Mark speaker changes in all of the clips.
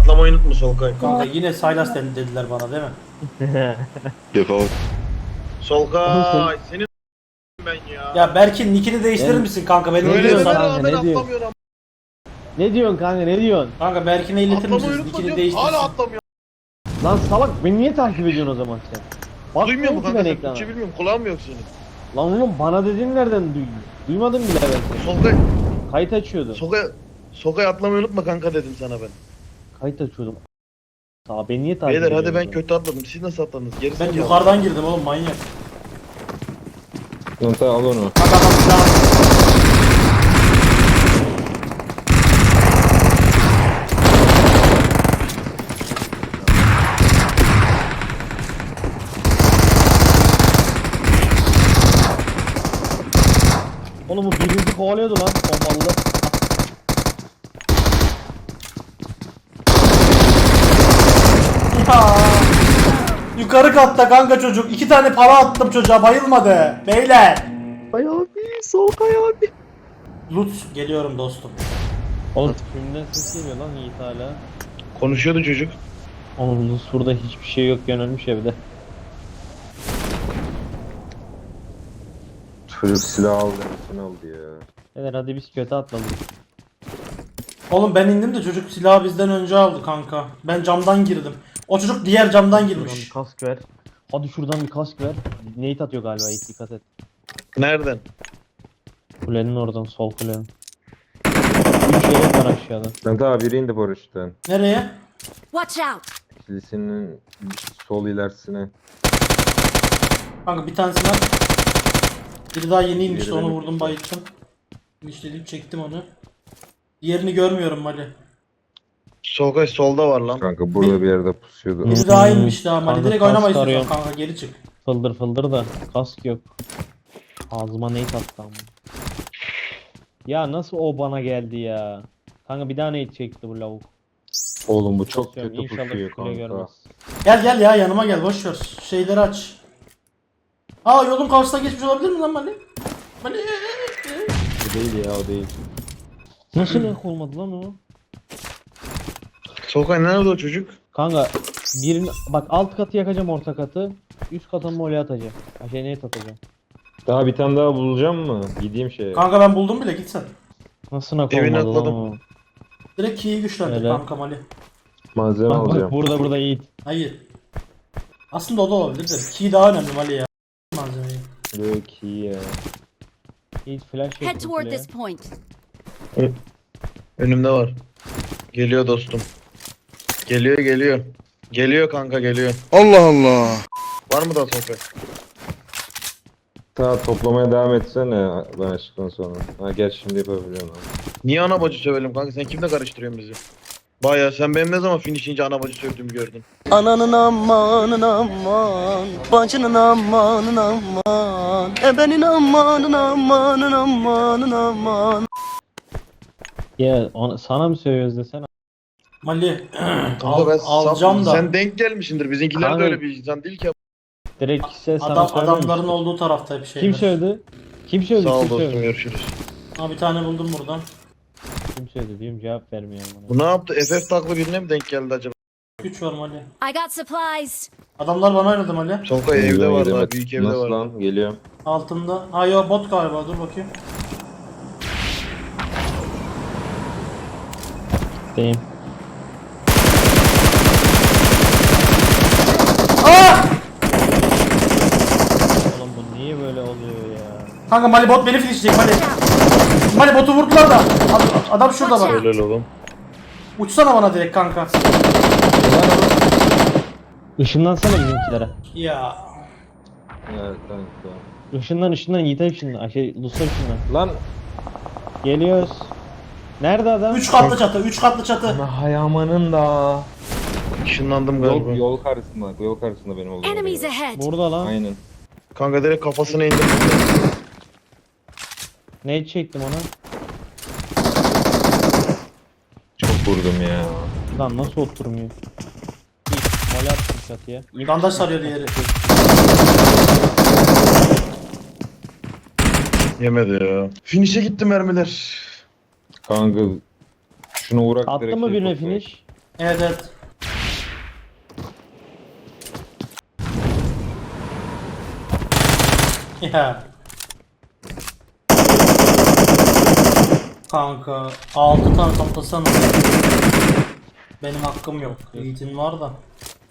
Speaker 1: atlamayı unutma Solkay.
Speaker 2: Kanka yine Saylas dediler bana değil mi?
Speaker 3: Defol.
Speaker 1: Solkay senin ben ya.
Speaker 2: Ya Berk'in nickini değiştirir
Speaker 4: Ben-
Speaker 2: misin kanka? Beni
Speaker 4: Ne
Speaker 1: Öyle
Speaker 4: diyorsun
Speaker 2: duyuyorsan.
Speaker 1: deme
Speaker 4: kanka,
Speaker 1: rağmen
Speaker 4: ne diyorsun?
Speaker 1: atlamıyor ama.
Speaker 4: Ne diyorsun kanka, ne diyorsun?
Speaker 2: Kanka Berk'ine iletir
Speaker 1: Atlamayı
Speaker 2: misiniz?
Speaker 1: unutma
Speaker 2: Nickini
Speaker 1: diyorum.
Speaker 2: değiştirsin.
Speaker 1: Hala atlamıyor.
Speaker 4: Lan salak, beni niye takip ediyorsun o zaman sen?
Speaker 1: Duymuyor mu
Speaker 4: Bakmıyorum ki
Speaker 1: kanka
Speaker 4: ben
Speaker 1: sen
Speaker 4: ekrana.
Speaker 1: Türkçe bilmiyorum kulağın mı yok senin?
Speaker 4: Lan oğlum bana dediğin nereden duydun? Duymadım bile ben seni.
Speaker 1: Solkay,
Speaker 4: Kayıt açıyordum.
Speaker 1: Solkay atlamayı unutma kanka dedim sana ben.
Speaker 4: Kayıt açıyordum. Sağ beni niye takip
Speaker 1: Beyler
Speaker 4: ediyorsun?
Speaker 1: hadi ben
Speaker 4: o zaman?
Speaker 1: kötü atladım. Siz nasıl atladınız? Gerisi
Speaker 2: Ben yukarıdan girdim oğlum manyak.
Speaker 3: Yonta al onu.
Speaker 2: Kanka bak silahım.
Speaker 4: Oğlum bu birinci kovalıyordu lan bombalı.
Speaker 2: Ya. Yukarı katta kanka çocuk. 2 tane para attım çocuğa bayılmadı. Beyler.
Speaker 4: Ay abi, Solkay abi.
Speaker 2: Lut geliyorum dostum.
Speaker 4: Oğlum kimden ses geliyor lan Yiğit hala?
Speaker 1: Konuşuyordu çocuk.
Speaker 4: Oğlum Luz burada hiçbir şey yok, ölmüş evde.
Speaker 3: Çocuk silah aldı. Nesini aldı ya.
Speaker 4: Beyler hadi biz kötü atladık.
Speaker 2: Oğlum ben indim de çocuk silahı bizden önce aldı kanka. Ben camdan girdim. O çocuk diğer camdan
Speaker 4: Şuradan bir
Speaker 2: girmiş.
Speaker 4: kask ver. Hadi şuradan bir kask ver. Nate atıyor galiba, Yiğit dikkat et.
Speaker 1: Nereden?
Speaker 4: Kulenin oradan, sol kulenin. 3 yelek var aşağıda.
Speaker 3: Yonta biri indi paraşütten.
Speaker 2: Nereye?
Speaker 5: Watch out!
Speaker 3: Kilisinin sol ilerisine.
Speaker 2: Kanka bir tanesini at. Biri daha yeni inmişti
Speaker 3: Diğeri
Speaker 2: onu
Speaker 3: benim.
Speaker 2: vurdum bayılttım. İşledim çektim onu. Diğerini görmüyorum Mali.
Speaker 1: Solkay solda var lan.
Speaker 3: Kanka burada bir yerde pusuyordu.
Speaker 2: Biri daha inmiş daha Mali.
Speaker 4: Kanka
Speaker 2: Direkt
Speaker 4: kask
Speaker 2: oynamayız
Speaker 4: arıyorum.
Speaker 2: kanka geri çık.
Speaker 4: Fıldır fıldır da kask yok. Ağzıma Nate attı ama. Ya nasıl o bana geldi ya? Kanka bir daha Nate çekti bu lavuk.
Speaker 3: Oğlum bu çok
Speaker 4: Basıyorum,
Speaker 3: kötü
Speaker 4: İnşallah
Speaker 3: pusuyor
Speaker 4: kule
Speaker 3: kanka.
Speaker 4: görmez.
Speaker 2: Gel gel ya yanıma gel boş ver. Şeyleri aç. Aa yolun karşısına geçmiş olabilir mi lan Mali? Mali.
Speaker 3: O değil ya, o değil.
Speaker 4: Nasıl ek olmadı lan o?
Speaker 1: Solkay nerede o çocuk?
Speaker 4: Kanka birini bak, alt katı yakacağım, orta katı. Üst kata mole atacağım. Şey Nate atacağım.
Speaker 3: Daha bir tane daha bulacağım mı? Gideyim şeye.
Speaker 2: Kanka ben buldum bile git sen.
Speaker 4: Nasıl nak
Speaker 1: Evine
Speaker 4: olmadı lan
Speaker 1: atladım.
Speaker 4: o?
Speaker 2: Direkt key'i güçlendir
Speaker 4: Öyle.
Speaker 2: kanka Mali.
Speaker 3: Malzeme
Speaker 4: Bak bak,
Speaker 3: alacağım.
Speaker 4: burada Yiğit.
Speaker 2: Hayır. Aslında o da olabilir de key daha önemli Mali ya. Malzemeyi.
Speaker 3: Yok iyi ya.
Speaker 4: Yiğit flash
Speaker 5: Head
Speaker 4: yaptı
Speaker 5: toward
Speaker 4: kuleye.
Speaker 5: this point.
Speaker 1: Önümde var. Geliyor dostum. Geliyor. Geliyor kanka geliyor.
Speaker 6: Allah Allah.
Speaker 1: Var mı da Solkay?
Speaker 3: Ta toplamaya devam etsene ben açtıktan sonra. Ha gel şimdi yapabiliyorum abi.
Speaker 1: Niye ana bacı sövelim kanka? Sen kimle karıştırıyorsun bizi? Baya sen benim ne zaman finish'ince ana bacı sövdüğümü gördün.
Speaker 7: Ananın amanın aman, bacının amanın aman, ebenin amanın amanın amanın aman.
Speaker 4: Ya sana mı söylüyoruz desene?
Speaker 2: Mali.
Speaker 1: Kanka ben
Speaker 2: alacağım da.
Speaker 1: Sen denk gelmişsindir. Bizimkiler
Speaker 4: Kanka-
Speaker 1: de öyle bir insan değil ki.
Speaker 4: Direkt sana söylememiş.
Speaker 2: Adamların olduğu tarafta hep şeyler.
Speaker 4: Kim söyledi? Kim söyledi?
Speaker 1: Sağ ol
Speaker 4: Kim
Speaker 1: dostum
Speaker 4: söyledi?
Speaker 1: görüşürüz.
Speaker 2: Ha bir tane buldum buradan.
Speaker 4: Kim söyledi diyorum, cevap vermiyor bana.
Speaker 1: Bu ne yaptı? FF taklı birine mi denk geldi acaba?
Speaker 2: Güç var Mali.
Speaker 5: I got supplies.
Speaker 2: Adamlar bana oynadı Mali.
Speaker 1: Solkay evde
Speaker 3: Geliyorum,
Speaker 1: var
Speaker 3: geliyorum.
Speaker 1: daha. Büyük evde
Speaker 3: Nasıl
Speaker 1: var.
Speaker 3: lan? Geliyorum.
Speaker 2: Altında. Ha yo bot galiba dur bakayım.
Speaker 4: Deyim. Oğlum bu niye böyle oluyor ya?
Speaker 2: Kanka Mali bot beni finişleyecek Mali. Mali botu vurdular da. Adam şurada bak.
Speaker 1: Helal oğlum.
Speaker 2: Uçsana bana direkt kanka.
Speaker 4: Işınlansana bizimkilere.
Speaker 2: Ya.
Speaker 3: Evet kanka.
Speaker 4: Işından Yiğit'e ışınlan. Lus'a ışınlan.
Speaker 3: Lan.
Speaker 4: Geliyoruz. Nerede adam?
Speaker 2: 3 katlı çatı, 3 katlı çatı.
Speaker 3: Ana hayamanın da.
Speaker 1: Işınlandım galiba.
Speaker 3: Yol karşısında. Yol karşısında benim olduğum
Speaker 5: Enemies
Speaker 3: yer.
Speaker 5: ahead.
Speaker 4: Burada lan.
Speaker 3: Aynen.
Speaker 1: Kanka direkt kafasına indim.
Speaker 4: Ne çektim ona?
Speaker 3: Çok vurdum ya.
Speaker 4: Lan nasıl oturmuyor? Yiğit, mole attım çatıya.
Speaker 2: Bandaj sarıyor diğeri.
Speaker 1: Yemedi ya. Finish'e gitti mermiler.
Speaker 3: Kanka şunu uğrak
Speaker 4: Attın
Speaker 3: direkt
Speaker 4: mı
Speaker 3: şey
Speaker 4: birine
Speaker 3: toplayın.
Speaker 4: finish?
Speaker 2: Evet evet. Ya. Kanka 6 tane toplasana. Benim hakkım yok. Yiğit'in var da.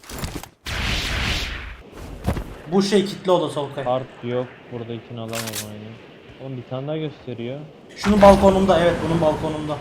Speaker 2: Bu şey kitli oda Solkay.
Speaker 4: Kart yok. Buradakini alamam aynı. Oğlum bir tane daha gösteriyor.
Speaker 2: Şunun balkonunda, evet bunun balkonunda.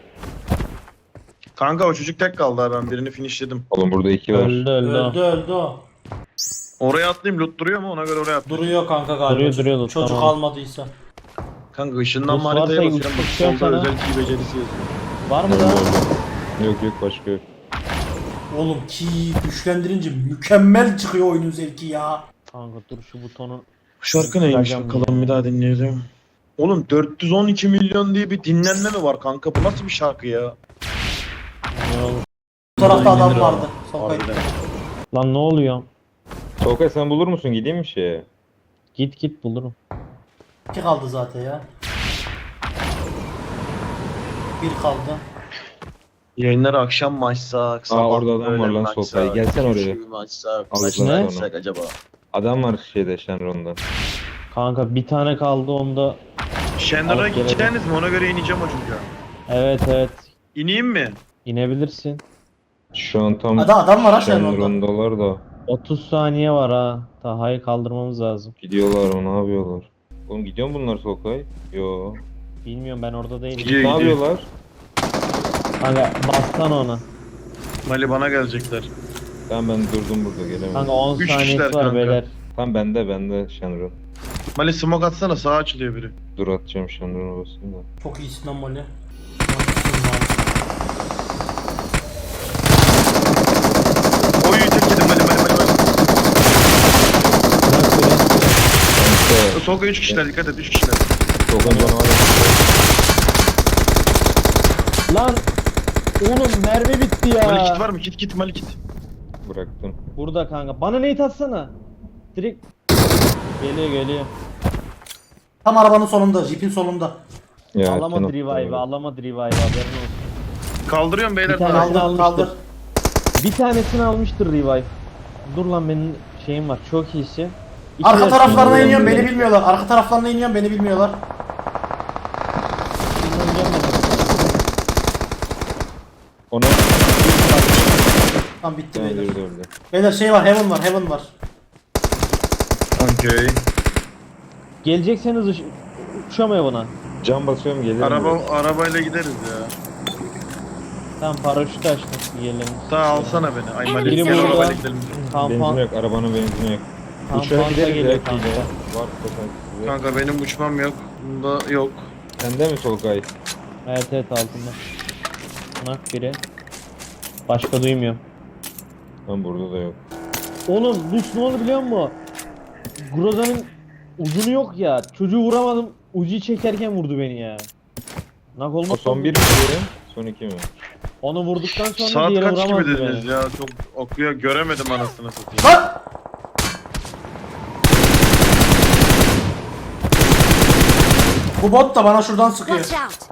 Speaker 1: Kanka o çocuk tek kaldı ha, ben birini finishledim.
Speaker 3: Oğlum burada 2 var.
Speaker 4: Öldü
Speaker 2: Öldü öldü o.
Speaker 1: Oraya atlayayım, loot duruyor mu, ona göre oraya atlayayım.
Speaker 2: Duruyor kanka galiba.
Speaker 4: Duruyor,
Speaker 2: Çocuk
Speaker 4: tamam.
Speaker 2: almadıysa.
Speaker 1: Kanka ışından
Speaker 4: Bu
Speaker 1: haritaya
Speaker 4: varsa
Speaker 1: basıyorum. Bak
Speaker 4: uçuşuyorum
Speaker 1: solda
Speaker 4: sana.
Speaker 1: özel key becerisi yazıyor.
Speaker 4: Var mı da?
Speaker 3: Yok yok başka yok.
Speaker 2: Oğlum ki güçlendirince mükemmel çıkıyor oyunun zevki ya.
Speaker 4: Kanka dur şu butonu.
Speaker 1: Şarkı neymiş
Speaker 4: Instagram
Speaker 1: bakalım,
Speaker 4: ya.
Speaker 1: bir daha dinleyelim. Oğlum 412 milyon diye bir dinlenme mi var kanka? Bu nasıl bir şarkı ya?
Speaker 4: Ne olur?
Speaker 2: Bu tarafta adam
Speaker 1: Dinlenir
Speaker 2: vardı.
Speaker 1: ama.
Speaker 2: Solkay.
Speaker 1: Harbiden.
Speaker 4: Lan ne oluyor?
Speaker 3: Solkay sen bulur musun? Gideyim mi şeye?
Speaker 4: Git bulurum.
Speaker 2: 2 kaldı zaten ya. 1 kaldı.
Speaker 1: Yayınları akşam mı açsak? Sabah
Speaker 3: orada adam
Speaker 1: öğlen
Speaker 3: var lan
Speaker 1: mi
Speaker 3: Solkay.
Speaker 1: açsak,
Speaker 3: Gelsene oraya.
Speaker 1: üçü mü açsak?
Speaker 3: Aldıktan
Speaker 1: Kaçta
Speaker 3: sonra.
Speaker 1: açsak acaba?
Speaker 3: Adam var şeyde Shenron'da.
Speaker 4: Kanka bir tane kaldı onda.
Speaker 1: Shender'a
Speaker 4: Alıp gelelim.
Speaker 1: gideceğiniz mi? Ona göre ineceğim o çocuğa.
Speaker 4: Evet.
Speaker 1: İneyim mi?
Speaker 4: İnebilirsin.
Speaker 3: Şu an tam
Speaker 2: Adam var ha Shenron'da.
Speaker 3: Shenron'dalar da.
Speaker 4: 30 saniye var ha. Taha'yı kaldırmamız lazım.
Speaker 3: Gidiyorlar mı? Ne yapıyorlar? Oğlum gidiyor mu bunlar Solkay? Yo.
Speaker 4: Bilmiyorum ben orada değilim.
Speaker 1: Gidiyor,
Speaker 3: Ne
Speaker 1: gidiyor.
Speaker 3: yapıyorlar?
Speaker 4: Kanka bassana ona.
Speaker 1: Mali bana gelecekler.
Speaker 3: Ben durdum burada gelemedim.
Speaker 4: Kanka 10
Speaker 1: Üç
Speaker 4: saniyesi
Speaker 1: kişiler
Speaker 4: var
Speaker 1: kanka.
Speaker 4: beyler.
Speaker 3: Tam bende Shenron.
Speaker 1: Mali smoke atsana, sağa açılıyor biri.
Speaker 3: Dur atacağım Shenron'a basayım da.
Speaker 2: Çok iyisin lan Molly.
Speaker 1: Oy tek yedim Mali.
Speaker 3: Kanka
Speaker 1: Solka 3 kişiler, dikkat et 3 kişiler.
Speaker 3: Solkay canavar.
Speaker 4: Lan! Oğlum mermi bitti ya.
Speaker 1: Mali kit var mı? Kit Mali kit.
Speaker 3: Bıraktım.
Speaker 4: Burada kanka. Bana nade atsana. Direkt geliyor.
Speaker 2: Tam arabanın solunda, jeepin solunda.
Speaker 3: Ya,
Speaker 4: Alamadı
Speaker 3: sen
Speaker 4: revive'ı, alamadı revive'ı haberin olsun.
Speaker 1: Kaldırıyorum beyler.
Speaker 4: Bir tane
Speaker 1: daha.
Speaker 4: aldı.
Speaker 2: Kaldır,
Speaker 4: almıştır.
Speaker 2: kaldır.
Speaker 4: Bir tanesini almıştır revive. Dur lan benim şeyim var, çok iyisi. İki
Speaker 2: Arka
Speaker 4: versiyonu
Speaker 2: taraflarına
Speaker 4: var.
Speaker 2: iniyorum, beni bilmiyorlar. Arka taraflarına iniyorum, beni bilmiyorlar.
Speaker 4: İnanacağım ben.
Speaker 3: Ona
Speaker 2: Tamam bitti
Speaker 3: ben
Speaker 2: beyler.
Speaker 3: öldü.
Speaker 2: Beyler şey var, heaven var.
Speaker 1: Okey.
Speaker 4: Gelecekseniz uçamıyor buna.
Speaker 3: Cam basıyorum gelir mi?
Speaker 1: Arabayla gideriz ya.
Speaker 4: Tamam paraşütü açtım gelelim.
Speaker 1: Daha alsana beni. Ay Mali
Speaker 4: Biri
Speaker 1: gel
Speaker 4: burada.
Speaker 1: arabayla gidelim.
Speaker 3: Benzin
Speaker 4: Kampan,
Speaker 3: yok, arabanın benzini yok. Uçağa
Speaker 4: kampanta
Speaker 3: gideriz
Speaker 4: geliyor
Speaker 3: ya
Speaker 4: kanka.
Speaker 3: Kile. Var zaten size.
Speaker 1: Kanka benim uçmam yok. Bunda yok.
Speaker 3: Sende mi Solkay?
Speaker 4: Evet altında. Nak biri. Başka duymuyorum.
Speaker 3: Ben burada da yok.
Speaker 4: Oğlum bu ne oldu biliyor musun? Groza'nın uzunu yok ya. Çocuğu vuramadım. Ucuyu çekerken vurdu beni ya. Nak
Speaker 3: O
Speaker 4: olmaz.
Speaker 3: son bir mi diyelim? Son iki mi?
Speaker 4: Onu vurduktan sonra
Speaker 1: Saat
Speaker 4: diğeri
Speaker 1: kaç gibi
Speaker 4: vuramazdı
Speaker 1: dediniz
Speaker 4: beni.
Speaker 1: ya? Çok okuyor, göremedim anasını satayım.
Speaker 2: Lan! Bu bot da bana şuradan sıkıyor.
Speaker 5: Watch out!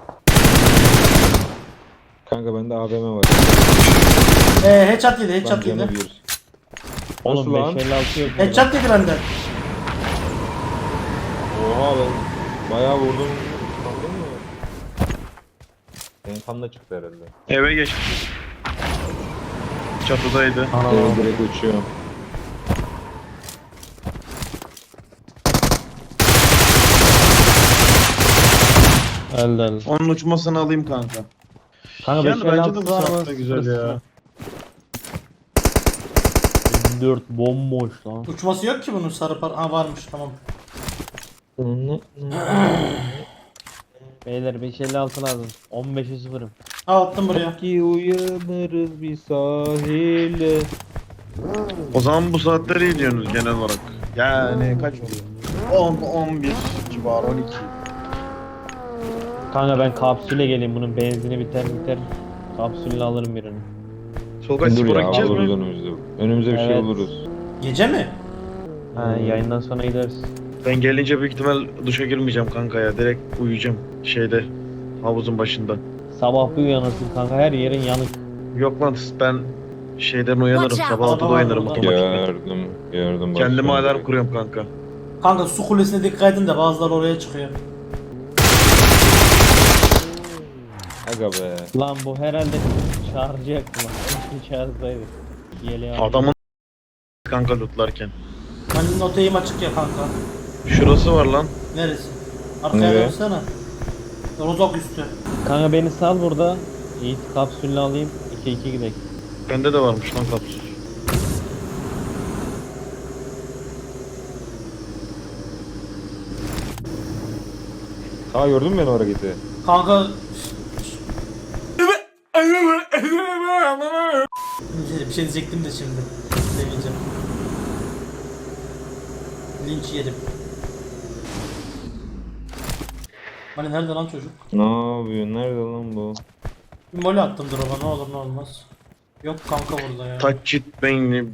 Speaker 3: Kanka bende AVM var.
Speaker 2: Headshot yedi,
Speaker 3: Ben
Speaker 2: headshot
Speaker 3: canı
Speaker 2: yedi.
Speaker 3: bir.
Speaker 4: Oğlum
Speaker 3: Nasıl lan?
Speaker 4: 556 yok burada.
Speaker 2: Headshot yedi benden.
Speaker 3: Oha ben bayağı vurdum. Sandın mı? Senin kan da çıktı herhalde.
Speaker 1: Eve geçti. Çatıdaydı.
Speaker 3: Evet, direkt uçuyorum.
Speaker 4: Öldü.
Speaker 1: Onun uçmasını alayım kanka.
Speaker 4: Kanka
Speaker 1: Yani bence de
Speaker 4: 556
Speaker 1: bu
Speaker 4: var
Speaker 1: saatte
Speaker 4: mı?
Speaker 1: güzel ya.
Speaker 4: 4 bomboş lan.
Speaker 2: Uçması yok ki bunun sarı par... Aa varmış tamam.
Speaker 4: Beyler 556 lazım. 15'e 0'ım.
Speaker 2: Aa attım buraya.
Speaker 3: Ki uyanırız bir sahile.
Speaker 1: O zaman bu saatleri iyi diyorsunuz genel olarak. Yani kaç oluyor? 10, 11 civarı, 12.
Speaker 4: Kanka ben kapsüle geleyim, bunun benzini biter. Kapsülle alırım birini.
Speaker 1: Solkay
Speaker 3: Dur
Speaker 1: spora
Speaker 3: ya
Speaker 1: gideceğiz
Speaker 3: alırız
Speaker 1: mi?
Speaker 3: önümüzde. Önümüze bir şey
Speaker 4: Evet.
Speaker 3: buluruz.
Speaker 2: Gece mi?
Speaker 4: Ha yayından sonra gideriz.
Speaker 1: Ben gelince büyük ihtimal duşa girmeyeceğim kanka ya. Direkt uyuyacağım şeyde, havuzun başında.
Speaker 4: Sabah bir uyanırsın kanka, her yerin yanık.
Speaker 1: Yok lan ben şeyden uyanırım.
Speaker 5: Watch out.
Speaker 1: Sabah 6'da
Speaker 2: Araba var
Speaker 1: uyanırım
Speaker 2: burada.
Speaker 1: otomatik.
Speaker 3: Gördüm.
Speaker 1: Kendime
Speaker 3: bakıyorum
Speaker 1: alarm
Speaker 3: direkt.
Speaker 1: kuruyorum kanka.
Speaker 2: Kanka su kulesine dikkat edin de bazıları oraya çıkıyor.
Speaker 3: Aga be.
Speaker 4: Lan bu herhalde çağıracaktı lan. Keşke çağırsaydı. Yeleği al.
Speaker 1: Adamın kanka lootlarken.
Speaker 2: Hani notayım açık ya kanka.
Speaker 1: Şurası var lan.
Speaker 2: Neresi? Arkaya
Speaker 3: Nereye?
Speaker 2: dönsene. Rozok üstü.
Speaker 4: Kanka beni sal burada. Yiğit kapsülünü alayım. 2-2 gidelim.
Speaker 1: Bende de varmış lan kapsül.
Speaker 3: Aa gördün mü beni o hareketi?
Speaker 2: Kanka bir şey diyecektim de şimdi. Demeyeceğim. Linç yedim. Hani nerede lan çocuk?
Speaker 3: Ne yapıyor? Nerede lan bu?
Speaker 2: Bir mole attım drop'a, ne olur ne olmaz. Yok kanka burada ya.
Speaker 1: Touch it beyni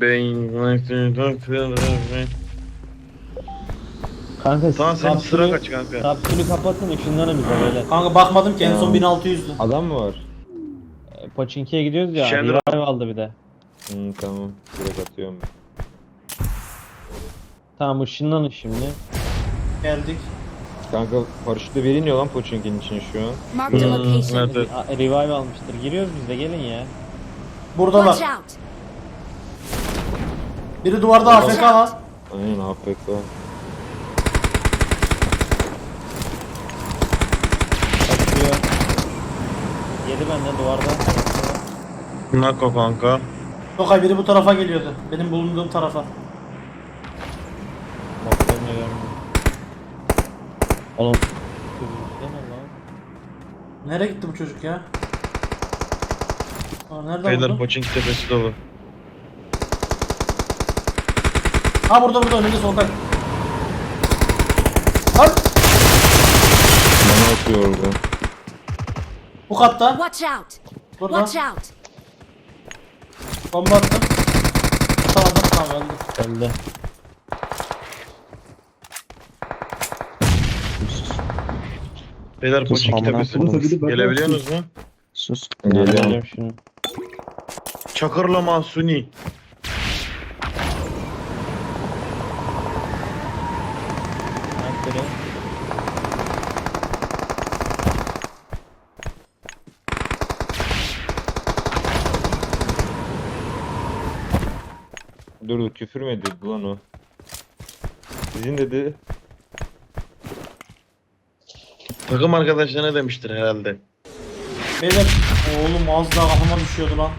Speaker 4: Kanka siz
Speaker 1: Tamam senin sıra
Speaker 4: kapsülü-
Speaker 1: kaç kanka.
Speaker 4: Kapsülü kapatın ışınlanın bize böyle.
Speaker 2: Kanka bakmadım ki en son
Speaker 3: Tamam.
Speaker 2: 1600'dü.
Speaker 3: Adam mı var?
Speaker 4: Poçinki'ye gidiyoruz ya.
Speaker 1: Şenol-
Speaker 4: Revive aldı bir de.
Speaker 3: Tamam. Direkt atıyorum.
Speaker 4: Tamam ışınlanın şimdi.
Speaker 2: Geldik.
Speaker 3: Kanka paraşütle veriniyor lan Pochinki'nin için şu an.
Speaker 5: Marked a location.
Speaker 1: Evet.
Speaker 4: Revive almıştır. Giriyoruz biz de gelin ya.
Speaker 2: Buradalar.
Speaker 5: Watch out.
Speaker 2: Biri duvarda AFK var.
Speaker 3: Aynen AFK.
Speaker 4: Kaçıyor. Yedi benden duvarda.
Speaker 1: Nako kanka.
Speaker 2: Tokay biri bu tarafa geliyordu. Benim bulunduğum tarafa.
Speaker 4: Bakmıyorum. Oğlum. Kızım lan.
Speaker 2: Nereye gitti bu çocuk ya? Aa, nerede
Speaker 1: Beyler
Speaker 2: vurdu?
Speaker 1: Pochinki tepesi dolu.
Speaker 2: Ha burada önünde Solkay. Lan
Speaker 3: Bana atıyor orada.
Speaker 2: bu katta.
Speaker 5: Watch out.
Speaker 2: Burada.
Speaker 5: Watch out.
Speaker 2: Bomba attım. Tamam öldü.
Speaker 4: Öldü.
Speaker 1: Beyler Pochinki tepesi. Gelebiliyorsunuz mu?
Speaker 3: Geliyorum.
Speaker 4: Geliyorum şimdi.
Speaker 1: Çakırlama Suni.
Speaker 4: Bak biri.
Speaker 3: Dur küfür mü ediyordu lan o? Sizin dedi.
Speaker 1: Takım arkadaşlar ne demiştir herhalde.
Speaker 2: Beyler oğlum az daha kafama düşüyordu lan.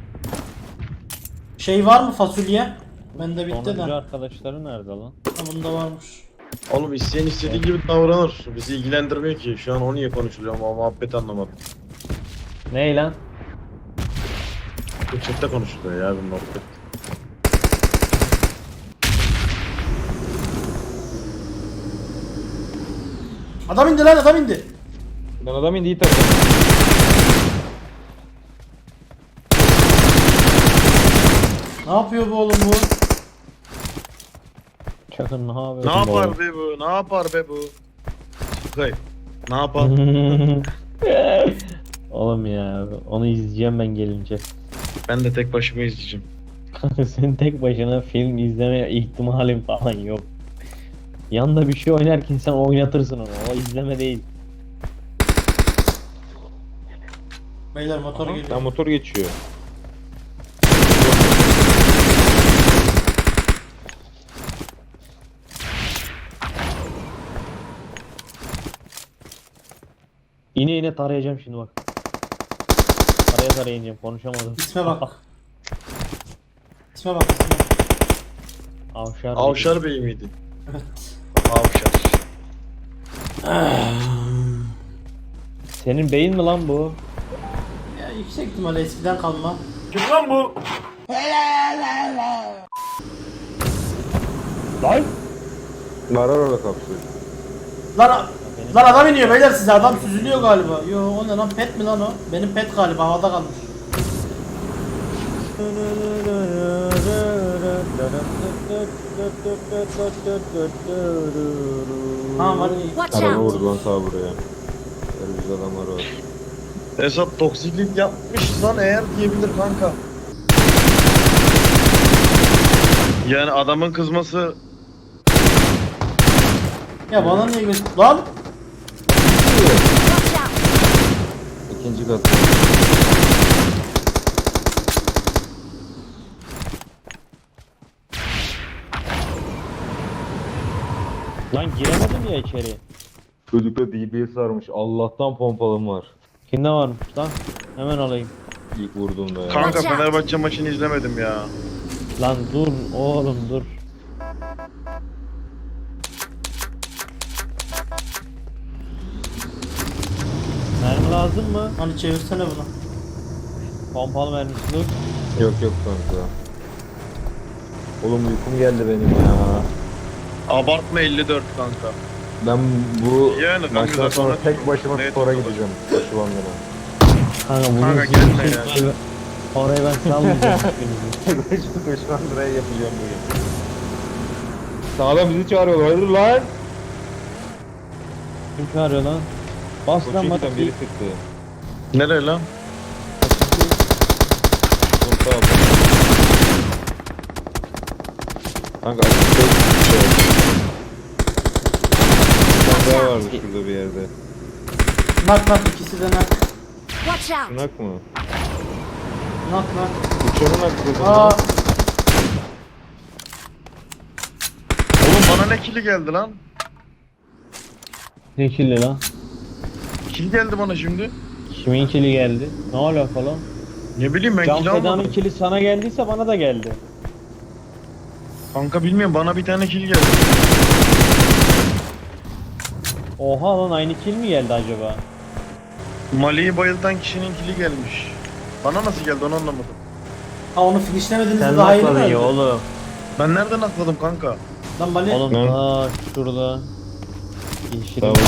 Speaker 2: Şey var mı fasulye? Bende bitti
Speaker 4: Sonuncu
Speaker 2: de.
Speaker 4: arkadaşları nerede lan?
Speaker 2: Ha, bunda varmış.
Speaker 1: Oğlum isteyen istediği gibi davranır. Bizi ilgilendirmiyor ki. Şu an o niye konuşuluyor ama muhabbet anlamadım.
Speaker 4: Ney lan?
Speaker 1: Bu chatte konuşuluyor ya bir muhabbet.
Speaker 2: Adam indi lan, adam indi.
Speaker 3: Lan adam indi iyi tabii.
Speaker 2: Ne yapıyor bu oğlum bu?
Speaker 4: Çakır ne yapıyor?
Speaker 1: Ne yapar be bu? Ne yapar be bu? Çıkay. Ne yapar?
Speaker 4: Oğlum ya onu izleyeceğim ben gelince.
Speaker 1: Ben de tek başıma izleyeceğim.
Speaker 4: Kanka senin tek başına film izleme ihtimalin falan yok. Yanında bir şey oynarken sen oynatırsın onu. O izleme değil.
Speaker 2: Beyler motor
Speaker 3: Lan
Speaker 2: geliyor.
Speaker 3: motor geçiyor.
Speaker 4: İne tarayacağım şimdi bak. Taraya ineceğim konuşamadım.
Speaker 2: İsme bak. İsme bak isme.
Speaker 4: Avşar.
Speaker 1: Avşar Bey miydi?
Speaker 2: Evet.
Speaker 1: Avşar.
Speaker 4: Senin beyin mi lan bu?
Speaker 2: Ya yüksek ihtimalle eskiden kalma.
Speaker 1: Kim lan bu?
Speaker 4: Lan!
Speaker 3: Var orada kapsül.
Speaker 2: Lan adam iniyor beyler, size adam süzülüyor galiba. Yo o ne lan, pet mi lan o? Benim pet galiba havada kalmış. Ha var iyi.
Speaker 5: Watch
Speaker 3: Araba
Speaker 5: out.
Speaker 3: vurdu lan ta buraya. Böyle güzel adamlar var.
Speaker 1: Esat toksiklik yapmışsan eğer diyebilir kanka. Yani adamın kızması
Speaker 2: Ya bana niye göz... Lan!
Speaker 5: Watch out!
Speaker 3: İkinci kat.
Speaker 4: Lan giremedim ya içeri.
Speaker 3: Çocukta DBS sarmış. Allah'tan pompalım var.
Speaker 4: Kimde varmış lan? Hemen alayım.
Speaker 3: İlk vurduğumda ya.
Speaker 1: kanka
Speaker 5: Watch out.
Speaker 1: Fenerbahçe maçını izlemedim ya.
Speaker 4: Lan dur oğlum dur. Mermi lazım mı?
Speaker 2: Hani çevirsene bunu.
Speaker 4: Pompalı mermisi dur.
Speaker 3: Yok yok kanka. Oğlum uykum geldi benim ya.
Speaker 1: Abartma 54 kanka.
Speaker 3: Ben bu
Speaker 1: Yani kanka
Speaker 3: maçtan
Speaker 1: zaten
Speaker 3: sonra
Speaker 1: net-
Speaker 3: tek başıma
Speaker 1: net
Speaker 3: spora
Speaker 1: olur.
Speaker 3: gideceğim. Koşu bandına.
Speaker 4: Kanka bunu
Speaker 1: Kanka gelme ya.
Speaker 4: Orayı ben salmayacağım hiçbirinizi.
Speaker 3: Tek başıma koşu bandına yapacağım bugün. Sağdan bizi çağırıyorlar. Hayırdır lan?
Speaker 4: Kim çağırıyor lan? Bas lan
Speaker 3: Koçu
Speaker 4: bak.
Speaker 3: giden biri sıktı.
Speaker 1: Nereye lan?
Speaker 3: Konta aldım. Kanka açıkta bir daha vardı şurada bir yerde.
Speaker 2: Nak ikisi de nak.
Speaker 5: Watch out!
Speaker 3: Şunak mı?
Speaker 2: Nak.
Speaker 3: Uçanın hakkı.
Speaker 2: Aa,
Speaker 1: Oğlum bana ne kili geldi lan?
Speaker 4: Ne kirli lan?
Speaker 1: Kil geldi bana şimdi.
Speaker 4: Kimin kili geldi? Ne alaka lan?
Speaker 1: Ne bileyim ben
Speaker 4: Can
Speaker 1: kil
Speaker 4: Feda'nın
Speaker 1: almadım.
Speaker 4: kili sana geldiyse bana da geldi.
Speaker 1: Kanka bilmiyorum bana bir tane kil geldi.
Speaker 4: Oha lan aynı kil mi geldi acaba?
Speaker 1: Mali'yi bayıltan kişinin kili gelmiş. Bana nasıl geldi onu anlamadım.
Speaker 2: ha onu finishlemediniz daha iyi mi?
Speaker 4: oğlum.
Speaker 1: Ben nereden atladım kanka?
Speaker 2: Lan Mali.
Speaker 4: Oğlum
Speaker 3: Lan.
Speaker 4: aa şurada. Yeşil.
Speaker 3: Tamam.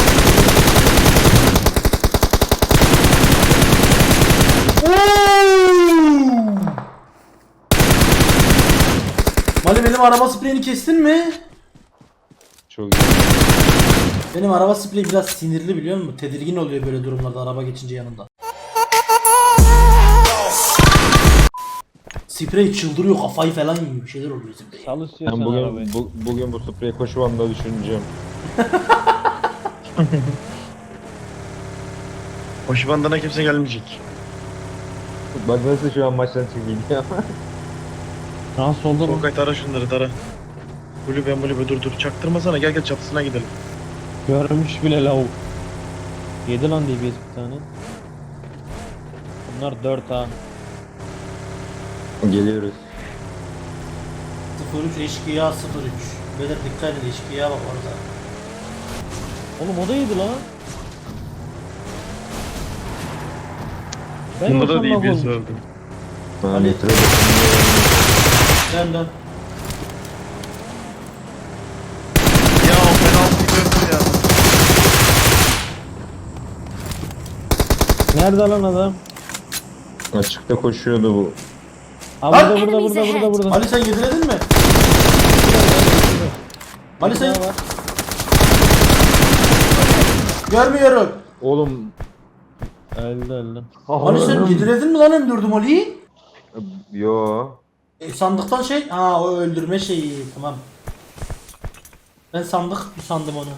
Speaker 2: Mali benim araba spreyini kestin mi?
Speaker 3: Çok iyi.
Speaker 2: Benim araba spreyi biraz sinirli biliyor musun? Tedirgin oluyor böyle durumlarda araba geçince yanında. Sprey çıldırıyor kafayı falan yiyor bir şeyler oluyor sprey.
Speaker 4: Sal istiyorsan
Speaker 3: Ben
Speaker 4: arabayı.
Speaker 3: bugün bu spreyi koşu bandına düşüneceğim.
Speaker 1: Koşu bandına kimse gelmeyecek.
Speaker 3: Bak nasıl şu an maçtan çıkayım ya.
Speaker 4: Nasıl oldu bu?
Speaker 1: Solkay tara şunları tara. Kulübe dur çaktırmasana gel çatısına gidelim.
Speaker 4: Görmüş bile lavuk. Yedi lan DBS bir tane. Bunlar 4 ha.
Speaker 3: Geliyoruz.
Speaker 2: 03 eşkıya 03. Beyler dikkat edin eşkıya bak orada.
Speaker 4: Oğlum o da yedi lan. Ben
Speaker 1: Bunda da
Speaker 4: olsam
Speaker 1: değil
Speaker 4: bak
Speaker 1: bir
Speaker 4: olmuş.
Speaker 1: öldüm.
Speaker 3: Ha,
Speaker 2: Ali.
Speaker 3: metroda
Speaker 2: Dön.
Speaker 1: Ya o penaltı gördüm ya.
Speaker 4: Nerede lan adam?
Speaker 3: açıkta koşuyordu bu.
Speaker 4: Ha
Speaker 2: Lan!
Speaker 4: burada.
Speaker 2: Ali sen yediledin mi? Ali sen...
Speaker 4: Burada var.
Speaker 2: Görmüyorum.
Speaker 3: Oğlum.
Speaker 4: Öldü.
Speaker 2: Ali sen yediledin mi lan M4'üm Ali'yi?
Speaker 3: Yo.
Speaker 2: Sandıktan şey... Ha o öldürme şeyi tamam. Ben sandım onu.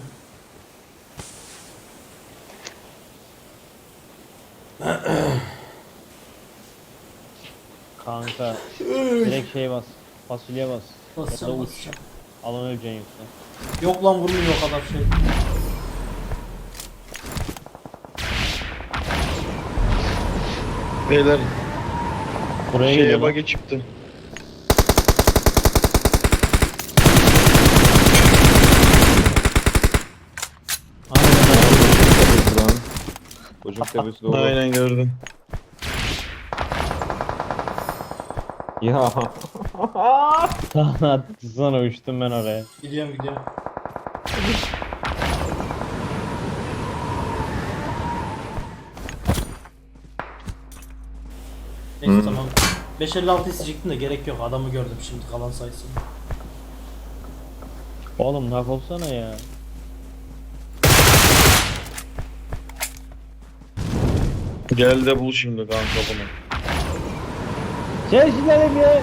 Speaker 4: Kanka. Direkt şey bas. Fasulye bas. Ya da
Speaker 2: Basacağım
Speaker 4: uç.
Speaker 2: basacağım.
Speaker 4: Alan öleceksin yoksa.
Speaker 2: Yok lan vurmuyor o kadar şey.
Speaker 1: Beyler
Speaker 4: Buraya
Speaker 1: şeye
Speaker 4: geliyor lan.
Speaker 1: bug'e çıktı.
Speaker 3: Tepesi lan. Çocuk tepesi dolu.
Speaker 1: Aynen gördüm.
Speaker 3: Ya.
Speaker 4: Sana uçtum ben oraya.
Speaker 2: Gidiyorum. Neyse tamam. 556 isteyecektim de gerek yok adamı gördüm şimdi kalan sayısını.
Speaker 4: Oğlum nak olsana ya.
Speaker 1: Gel de bul şimdi kanka bunu.
Speaker 4: Çeşitlerim ya.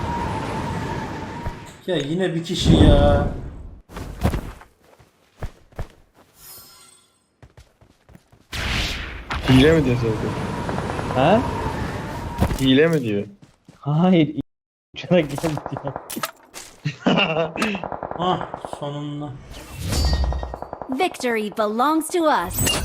Speaker 2: Ya yine bir kişi ya.
Speaker 1: Hile mi diyor Sevgi?
Speaker 4: Ha?
Speaker 1: Hile mi diyor?
Speaker 4: Hayır. Uçarak geldi ya.
Speaker 2: Ah sonunda.
Speaker 5: Victory belongs to us.